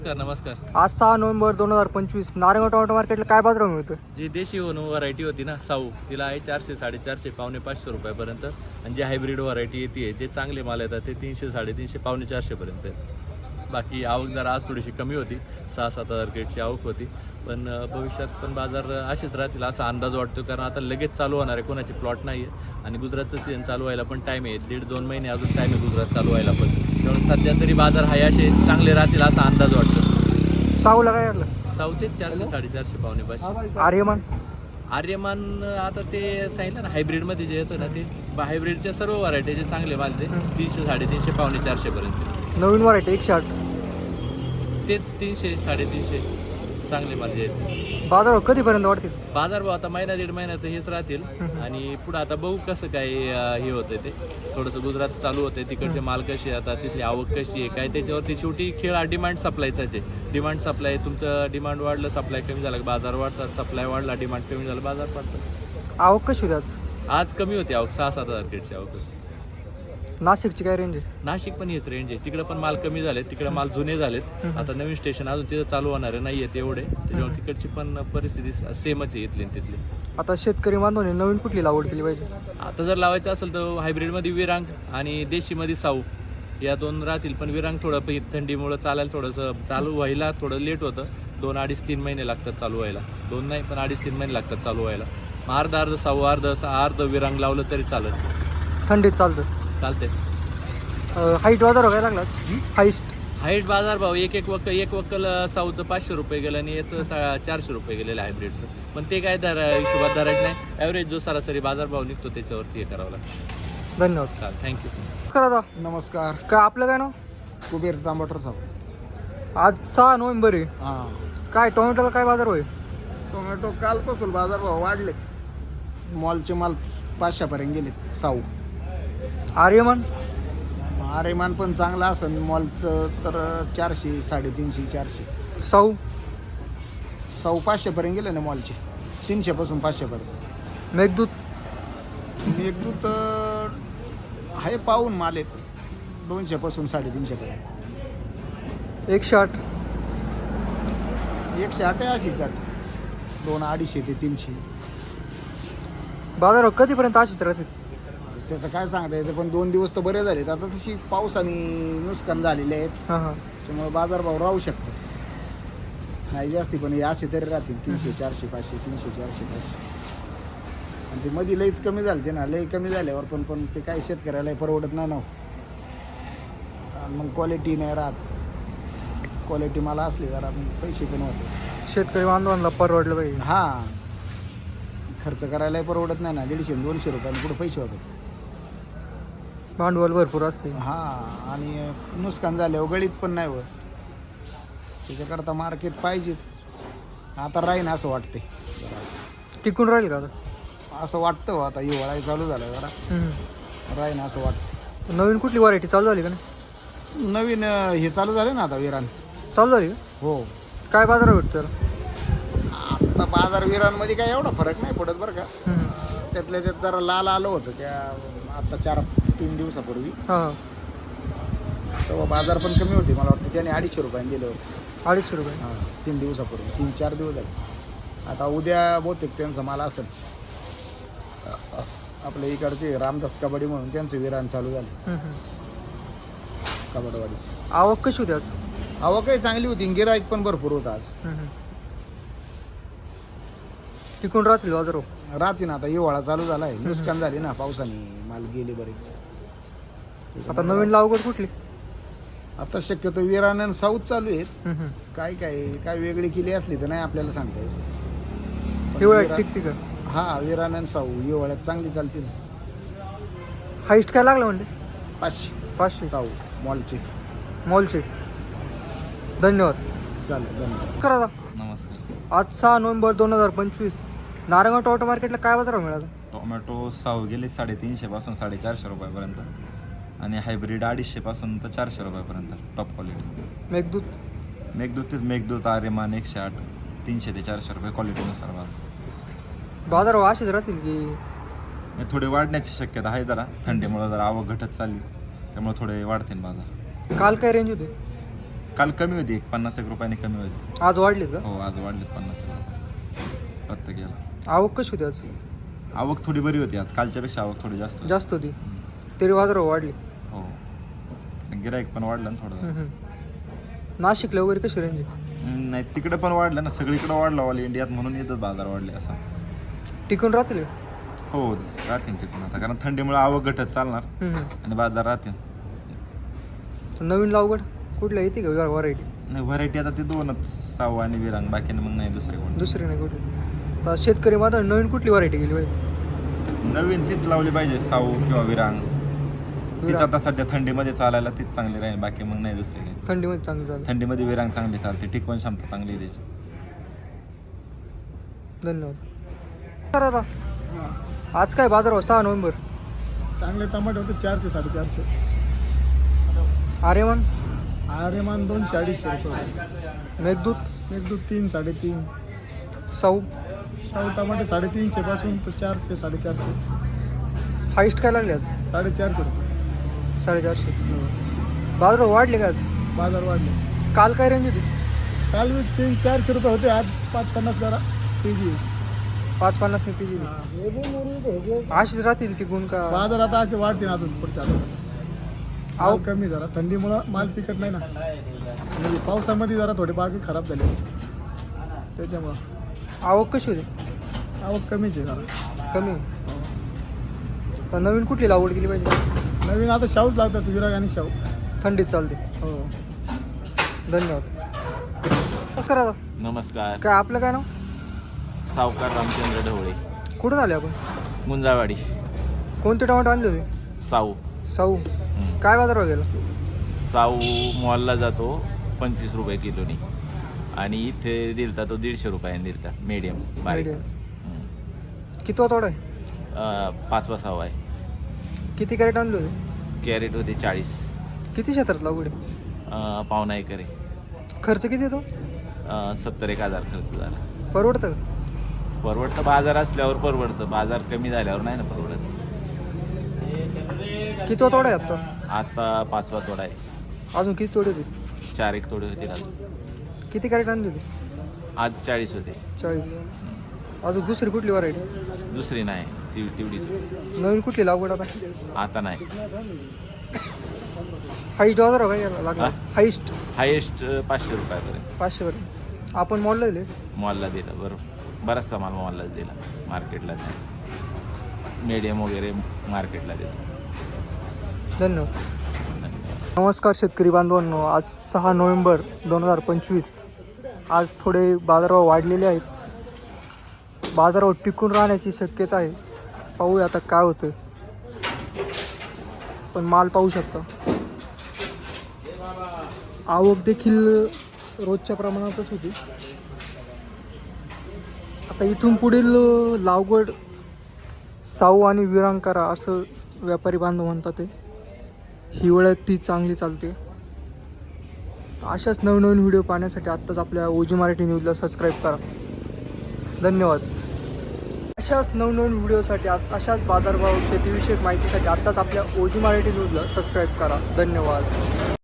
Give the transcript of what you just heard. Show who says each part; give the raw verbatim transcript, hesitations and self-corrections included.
Speaker 1: नमस्कार.
Speaker 2: आज सहा नोव्हेंबर दोन हजार पंचवीस नारायणगाव टोमॅटो मार्केटला काय बाजार मिळतोय?
Speaker 1: जी देशी व्हरायटी होती ना साऊ, तिला आहे चारशे साडेचारशे पावणे पाचशे रुपयापर्यंत. आणि जी हायब्रिड व्हरायटी येते जे चांगले माल येतात ते तीनशे साडेतीनशे पावणे चारशेपर्यंत आहे. बाकी आवक जरा आज थोडीशी कमी होती, सहा सात हजार गेटची आवक होती. पण भविष्यात पण बाजार असेच राहतील असा अंदाज वाटतो, कारण आता लगेच चालू होणार आहे, कोणाची प्लॉट नाही आहे. आणि गुजरातचं सीझन चालू व्हायला पण टाईम आहे, दीड दोन महिने अजून टाईम आहे गुजरात चालू व्हायला पण. त्यामुळे सध्या तरी बाजार हाय असे चांगले राहतील असा अंदाज वाटतो.
Speaker 2: साऊला काय लागलं?
Speaker 1: साऊथेच चारशे साडेचारशे पावणे पाचशे.
Speaker 2: आर्यमान
Speaker 1: आर्यमान आता ते सांगितलं ना हायब्रिडमध्ये जे येतं ना ते हायब्रिडच्या सर्व व्हरायटीचे चांगले माल ते तीनशे साडेतीनशे पावणे चारशेपर्यंत.
Speaker 2: नवीन व्हरायटी एकशे आठ
Speaker 1: तेच तीनशे साडेतीनशे चांगले माल जे आहेत.
Speaker 2: बाजार कधीपर्यंत वाढतील?
Speaker 1: बाजार भाव आता महिना दीड महिना तर हेच राहतील. आणि पुढं आता बघू कसं काय हे होतं ते, थोडंसं गुजरात चालू होतं, तिकडचे माल कसे आता तिथली आवक कशी आहे काय त्याच्यावरती शेवटी खेळ हा डिमांड सप्लायचाच आहे. डिमांड सप्लाय, तुमचं डिमांड वाढलं सप्लाय कमी झालं बाजार वाढतात, सप्लाय वाढला डिमांड कमी झालं बाजार वाढतात.
Speaker 2: आवक कशी होती आज?
Speaker 1: आज कमी होती आवक, सहा सात हजार गेटची आवक होती.
Speaker 2: नाशिकची काय रेंज आहे?
Speaker 1: नाशिक पण हेच रेंज आहे, तिकडे पण माल कमी झालेत, तिकडे माल जुने झालेत. आता नवीन स्टेशन अजून तिथं चालू होणारे नाही आहेत एवढे, त्याच्यामुळे तिकडची पण परिस्थिती सेमच आहे इथली तिथली.
Speaker 2: आता शेतकरी बांधवांनी नवीन कुठली लागवड केली पाहिजे?
Speaker 1: आता जर लावायचं असेल तर हायब्रिडमध्ये विरांग आणि देशीमध्ये साऊ या दोन राहतील. पण विरांग थोडं थंडीमुळं चालायला थोडंसं चालू व्हायला थोडं लेट होतं, दोन अडीच तीन महिने लागतात चालू व्हायला. दोन नाही पण अडीच तीन महिने लागतात चालू व्हायला. मग अर्ध अर्ध साऊ अर्ध अर्ध विरांग लावलं तरी चालत,
Speaker 2: थंडीत चालतं
Speaker 1: चालते.
Speaker 2: हाईट बाजार काय लागला? हाईस्ट
Speaker 1: हाईट बाजार भाव एक एक वक्कल एक वक्कल साऊचं पाचशे रुपये गेलं आणि याचं सा चारशे रुपये गेलेलं हायब्रिडचं. पण ते काय दर हिशोबात धरायचं नाही, ॲव्हरेज जो सरासरी बाजारभाव निघतो त्याच्यावरती हे करावं लागतं.
Speaker 2: धन्यवाद.
Speaker 1: चालेल, थँक्यू.
Speaker 2: करा दा.
Speaker 3: नमस्कार.
Speaker 2: काय आपलं काय नाव?
Speaker 3: कुबेर तांबटर साहेब.
Speaker 2: आज सहा नोव्हेंबर आहे,
Speaker 3: हां.
Speaker 2: काय टोमॅटोला काय बाजार होईल?
Speaker 3: टोमॅटो कालपासून बाजारभाव वाढले, मॉलचे माल पाचशेपर्यंत गेले. साऊ
Speaker 2: आर्यमान
Speaker 3: आरेमान पण चांगला असेल, मॉलचं तर चारशे साडेतीनशे चारशे.
Speaker 2: साऊ
Speaker 3: साऊ पाचशेपर्यंत गेले ना मॉलचे, तीनशेपासून पाचशेपर्यंत.
Speaker 2: मेघदूत
Speaker 3: मेघदूत आहे पाहून माल आहेत, दोनशेपासून साडेतीनशेपर्यंत.
Speaker 2: एकशे आठ
Speaker 3: एकशे आठ अशीच जाते, दोन अडीचशे ते तीनशे.
Speaker 2: बाजार कधीपर्यंत अशीच राहतील?
Speaker 3: त्याचं काय सांगता येतं, पण दोन दिवस तर बरे झालेत. आता तशी पावसाने नुकसान झालेले आहेत,
Speaker 2: हां हां
Speaker 3: त्यामुळे बाजारभाव राहू शकतो नाही जास्ती, पण हे असे तरी राहतील तीनशे चारशे पाचशे तीनशे चारशे पाचशे. आणि ते मध्ये लईच कमी झाले ते ना, लई कमी झाल्यावर पण पण ते काही शेतकऱ्याला परवडत नाही ना. आणि मग क्वालिटी नाही राहत, क्वालिटी मला असली जरा पैसे पण होते.
Speaker 2: शेतकरी बांधवांना परवडलं पाहिजे.
Speaker 3: हां, खर्च करायलाही परवडत नाही ना, दीडशे दोनशे रुपयांनी कुठं पैसे होतात.
Speaker 2: भांडवल भरपूर असते.
Speaker 3: हां, आणि नुकसान झाल्यावर गळीत पण नाही होत, त्याच्याकरता मार्केट पाहिजेच. आता राहीन असं वाटते,
Speaker 2: टिकून राहील का आता?
Speaker 3: असं वाटतं हो, आता हिवाळा चालू झाला जरा राहीन असं वाटतं.
Speaker 2: नवीन कुठली व्हरायटी चालू झाली का नाही?
Speaker 3: नवीन अं, हे चालू झाले ना आता विरान.
Speaker 2: चालू झाली का?
Speaker 3: हो.
Speaker 2: काय बाजार भेटतो त्याला?
Speaker 3: आता बाजार विरांमध्ये काय एवढा फरक नाही पडत बरं का. त्यातल्या त्यात जरा लाल आलं होतं त्या आता चार तीन दिवसापूर्वी,
Speaker 2: हां
Speaker 3: तेव्हा बाजार पण कमी होते. मला वाटतं त्याने अडीचशे रुपयाने दिले होते.
Speaker 2: अडीचशे रुपये
Speaker 3: हां, तीन दिवसापूर्वी, तीन चार दिवस झाले. आता उद्या बहुतेक त्यांचा माल असेल. आपल्या इकडचे रामदास कबड्डी म्हणून त्यांचं विरान चालू झाले, कबड्डीवाडीची.
Speaker 2: आवक कशी होती आज?
Speaker 3: आवकही चांगली होती, गिराईक पण भरपूर होता आज.
Speaker 2: टिकून राहतील बाजार?
Speaker 3: राहते ना, आता हिवाळा चालू झाला आहे, नुकसान झाली ना पावसाने, माल गेले बरेच.
Speaker 2: आता नवीन लागवड कुठली?
Speaker 3: आता शक्यतो विरान आणि साऊथ चालू आहेत. काय काय काय वेगळी केली असली तर नाही आपल्याला सांगता यायचं.
Speaker 2: हिवाळ्यात टिकते का?
Speaker 3: हा, विरान आणि साऊ हिवाळ्यात चांगली चालतील.
Speaker 2: हाईस्ट काय लागलं म्हणजे?
Speaker 3: पाचशे
Speaker 2: पाचशे
Speaker 3: साऊ मॉलचे.
Speaker 2: मॉलचे. धन्यवाद.
Speaker 3: चालेल, धन्यवाद.
Speaker 2: करा दा.
Speaker 1: नमस्कार.
Speaker 2: आज सहा नोव्हेंबर दोन हजार पंचवीस नारायणगाव टोमॅटो मार्केटला काय बाजार मिळाला?
Speaker 4: टोमॅटो साऊ गेले साडेतीनशे पासून साडेचारशे रुपयापर्यंत आणि हायब्रिड अडीचशे पासून तर चारशे रुपयापर्यंत टॉप क्वालिटी.
Speaker 2: मेघदूत
Speaker 4: मेघदूत तेच मेघदूत आर्यमान एकशे आठ तीनशे ते चारशे रुपये क्वालिटीनुसार बाजार.
Speaker 2: बाजार असेच राहतील की
Speaker 4: थोडे वाढण्याची शक्यता आहे जरा, थंडीमुळे जरा आवक घटत चालली त्यामुळे थोडे वाढतील बाजार.
Speaker 2: काल काय रेंज होते?
Speaker 4: काल कमी होती एक पन्नास एक रुपयाने कमी होती.
Speaker 2: आज वाढलीत का?
Speaker 4: हो आज वाढलेत पन्नास एक रुपये प्रत्येकाला.
Speaker 2: आवक कशी होती आज?
Speaker 4: आवक थोडी बरी होती आज, कालच्यापेक्षा आवक थोडी जास्त होती.
Speaker 2: जास्त होती तरी बाजार वाढली.
Speaker 4: हो गिराईक पण वाढलं ना थोडं.
Speaker 2: हम्म, हम्म. नाशिकला वगैरे कशी रेंज?
Speaker 4: हम्म, नाही तिकडे पण वाढलं ना, सगळीकडे वाढलं ऑल इंडियात, म्हणून येतच बाजार वाढले असं.
Speaker 2: टिकून राहतील?
Speaker 4: हो राहतील टिकून आता, कारण थंडीमुळे आवक घटत चालणार
Speaker 2: हम्म,
Speaker 4: आणि बाजार राहतील.
Speaker 2: तर नवीन लावगड कुठल्या येते का व्हरायटी?
Speaker 4: नाही व्हरायटी आता ते दोनच, साऊ आणि विरांग, बाकी मग नाही दुसरे कोण.
Speaker 2: दुसरी नाही कुठली? तर शेतकरी माझा नवीन कुठली व्हरायटी गेली पाहिजे?
Speaker 4: नवीन तीच लावली पाहिजे, साऊ किंवा विरांग. तीच आता सध्या थंडीमध्ये चालायला तीच चांगली राहील, बाकी मग नाही दुसरी काही.
Speaker 2: थंडीमध्ये चांगली चालेल.
Speaker 4: थंडीमध्ये विरांग चांगली चालते, टिकवण क्षमता चांगली आहे त्याची.
Speaker 2: धन्यवाद. तर आता आज काय बाजार हो? सहा नोव्हेंबर.
Speaker 3: चांगले टमाटे होते चारशे साडेचारशे.
Speaker 2: आर्यमान
Speaker 3: आर्यमान दोनशे अडीचशे रुपये.
Speaker 2: मेघदूत
Speaker 3: मेघदूत तीन साडेतीन.
Speaker 2: साऊ
Speaker 3: शाहू टमाटे साडेतीनशे पासून तर चारशे साडेचारशे.
Speaker 2: हाईस्ट काय लागले आज?
Speaker 3: साडेचारशे रुपये.
Speaker 2: साडेचारशे. बाजार हो वाढले का आज?
Speaker 3: बाजार वाढले.
Speaker 2: काल काय रेंज होती?
Speaker 3: काल मी तीन चारशे रुपये होते, आज पाच पन्नास जरा के जी.
Speaker 2: पाच पन्नास ने पीजी. अशीच राहतील टिकून का?
Speaker 3: बाजार आता असे वाढतील अजून पुढच्या आठवड्यात.
Speaker 2: आव
Speaker 3: आवक कमी जरा थंडीमुळं माल पिकत नाही ना, म्हणजे पावसामध्ये जरा थोडे बाग खराब झाले त्याच्यामुळं
Speaker 2: आवक कशी होती?
Speaker 3: आवक कमीच आहे जरा.
Speaker 2: कमी. तर नवीन कुठली लागवड केली पाहिजे?
Speaker 3: नवीन आता शाहूच लागतात, विराग आणि शाहू.
Speaker 2: थंडीत चालते.
Speaker 3: हो.
Speaker 2: धन्यवाद. नमस्कार दादा.
Speaker 1: नमस्कार.
Speaker 2: काय आपलं काय नाव?
Speaker 1: सावकार रामचंद्र ढवळे,
Speaker 2: कुठून आले आपण?
Speaker 1: गुंजावाडी.
Speaker 2: कोणते टोमॅटो आणले होते?
Speaker 1: साऊ.
Speaker 2: साऊ.
Speaker 1: हम्म.
Speaker 2: काय बाजार वगैरे?
Speaker 1: साऊ मॉलला जातो पंचवीस रुपये किलोनी, आणि इथे दिलता तो दीडशे रुपयाने दिलता, मीडियम बारीक. हम्म.
Speaker 2: किती तोडा आहे?
Speaker 1: अं, पाचवा सहावा आहे.
Speaker 2: किती कॅरेट आणले होते?
Speaker 1: कॅरेट होते चाळीस.
Speaker 2: किती क्षेत्रात लागवड आहे?
Speaker 1: अं, पावणा एकर आहे.
Speaker 2: खर्च किती येतो?
Speaker 1: अं, सत्तर एक हजार खर्च झाला.
Speaker 2: परवडतं का?
Speaker 1: परवडतं बाजार असल्यावर परवडतं, बाजार कमी झाल्यावर नाही ना परवडत.
Speaker 2: किती तोडा आहे आता?
Speaker 1: आता पाचवा तोडा आहे.
Speaker 2: अजून किती तोडे होते?
Speaker 1: चार एक तोडे होते अजून.
Speaker 2: किती कॅरेट आणले होते?
Speaker 1: आज चाळीस होते.
Speaker 2: चाळीस. अजून दुसरी कुठली व्हरायटी?
Speaker 1: दुसरी नाही, ती तेवढीच.
Speaker 2: नवीन कुठली लागवड आता?
Speaker 1: आता नाही.
Speaker 2: हाईस्ट बाजार काय लागला?
Speaker 1: हा?
Speaker 2: हाईस्ट
Speaker 1: हायेस्ट पाचशे रुपयापर्यंत
Speaker 2: पाचशे पर्यंत. आपण मॉलला दिले?
Speaker 1: मॉलला दिला. बरोबर, बराचसा माल मॉललाच दिला, मार्केटला नाही. मीडियम वगैरे मार्केटला दिला.
Speaker 2: धन्यवाद.
Speaker 1: धन्यवाद.
Speaker 2: नमस्कार शेतकरी बांधवांनो, आज सहा नोव्हेंबर दोन हजार पंचवीस. आज थोडे बाजारभाव वाढलेले आहेत. बाजारावर टिकून राहण्याची शक्यता आहे. पाहूया आता काय होतं. पण माल पाहू शकता, आवक देखील रोजच्या प्रमाणातच होती. आता इथून पुढील लागवड साऊ आणि विरांग करा असं व्यापारी बांधव म्हणतात. ते हिवाळ्यात ती चांगली चालते. अशाच नवनवीन व्हिडिओ पाहण्यासाठी आत्ताच आपल्या ओजी मराठी न्यूजला सबस्क्राईब करा. धन्यवाद. अशाच नवनवीन व्हिडिओसाठी अशाच बाजारभाव शेतीविषयक माहितीसाठी आत्ताच आपल्या ओजी मराठी न्यूजला सबस्क्राईब करा. धन्यवाद.